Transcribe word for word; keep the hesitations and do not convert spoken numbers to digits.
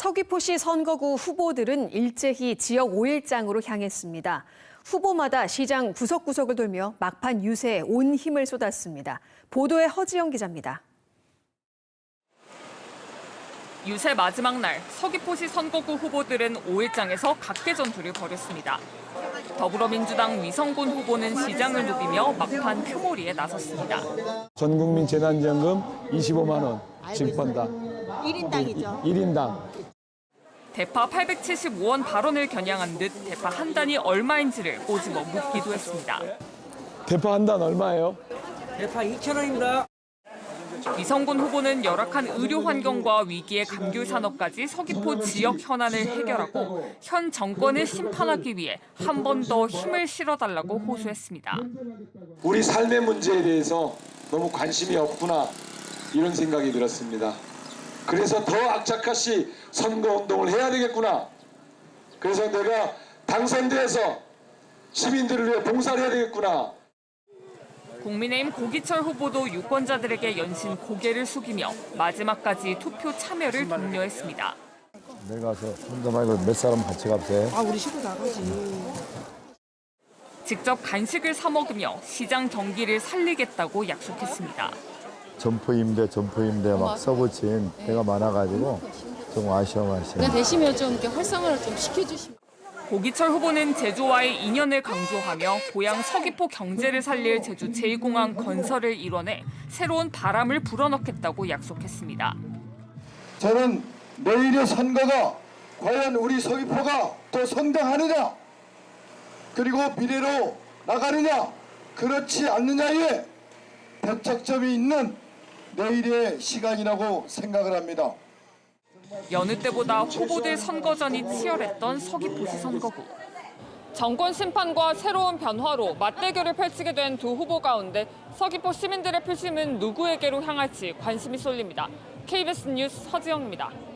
서귀포시 선거구 후보들은 일제히 지역 오 일장으로 향했습니다. 후보마다 시장 구석구석을 돌며 막판 유세에 온 힘을 쏟았습니다. 보도에 허지영 기자입니다. 유세 마지막 날 서귀포시 선거구 후보들은 오 일장에서 각계 전투를 벌였습니다. 더불어민주당 위성군 후보는 시장을 누비며 막판 표몰이에 나섰습니다. 전 국민 재난지원금 이십오만 원 지급한다. 일 인당이죠. 일 인당. 대파 팔백칠십오 원 발언을 겨냥한 듯 대파 한 단이 얼마인지를 꼬집어 묻기도 했습니다. 대파 한 단 얼마예요? 대파 이천 원입니다. 위성군 후보는 열악한 의료 환경과 위기의 감귤 산업까지 서귀포 지역 현안을 해결하고 현 정권을 심판하기 위해 한 번 더 힘을 실어달라고 호소했습니다. 우리 삶의 문제에 대해서 너무 관심이 없구나 이런 생각이 들었습니다. 그래서 더 악착같이 선거운동을 해야 되겠구나. 그래서 내가 당선돼서 시민들을 위해 봉사를 해야 되겠구나. 국민의힘 고기철 후보도 유권자들에게 연신 고개를 숙이며 마지막까지 투표 참여를 독려했습니다. 내일 가서 혼자 말고 몇 사람 같이 갑세. 아, 우리 식구 다 가지. 직접 간식을 사 먹으며 시장 경기를 살리겠다고 약속했습니다. 점포임대 점포임대 막 써붙인 데가 많아가지고 좀 아쉬워하시네. 그냥 되시면 좀 이렇게 활성화를 좀 시켜주시면. 고기철 후보는 제주와의 인연을 강조하며 고향 서귀포 경제를 살릴 제주 제이 공항 건설을 이뤄내 새로운 바람을 불어넣겠다고 약속했습니다. 저는 내일의 선거가 과연 우리 서귀포가 더 성장하느냐 그리고 미래로 나가느냐 그렇지 않느냐에 배척점이 있는 내일의 시간이라고 생각을 합니다. 여느 때보다 후보들 선거전이 치열했던 서귀포시 선거구. 정권 심판과 새로운 변화로 맞대결을 펼치게 된 두 후보 가운데 서귀포 시민들의 표심은 누구에게로 향할지 관심이 쏠립니다. 케이비에스 뉴스 허지영입니다.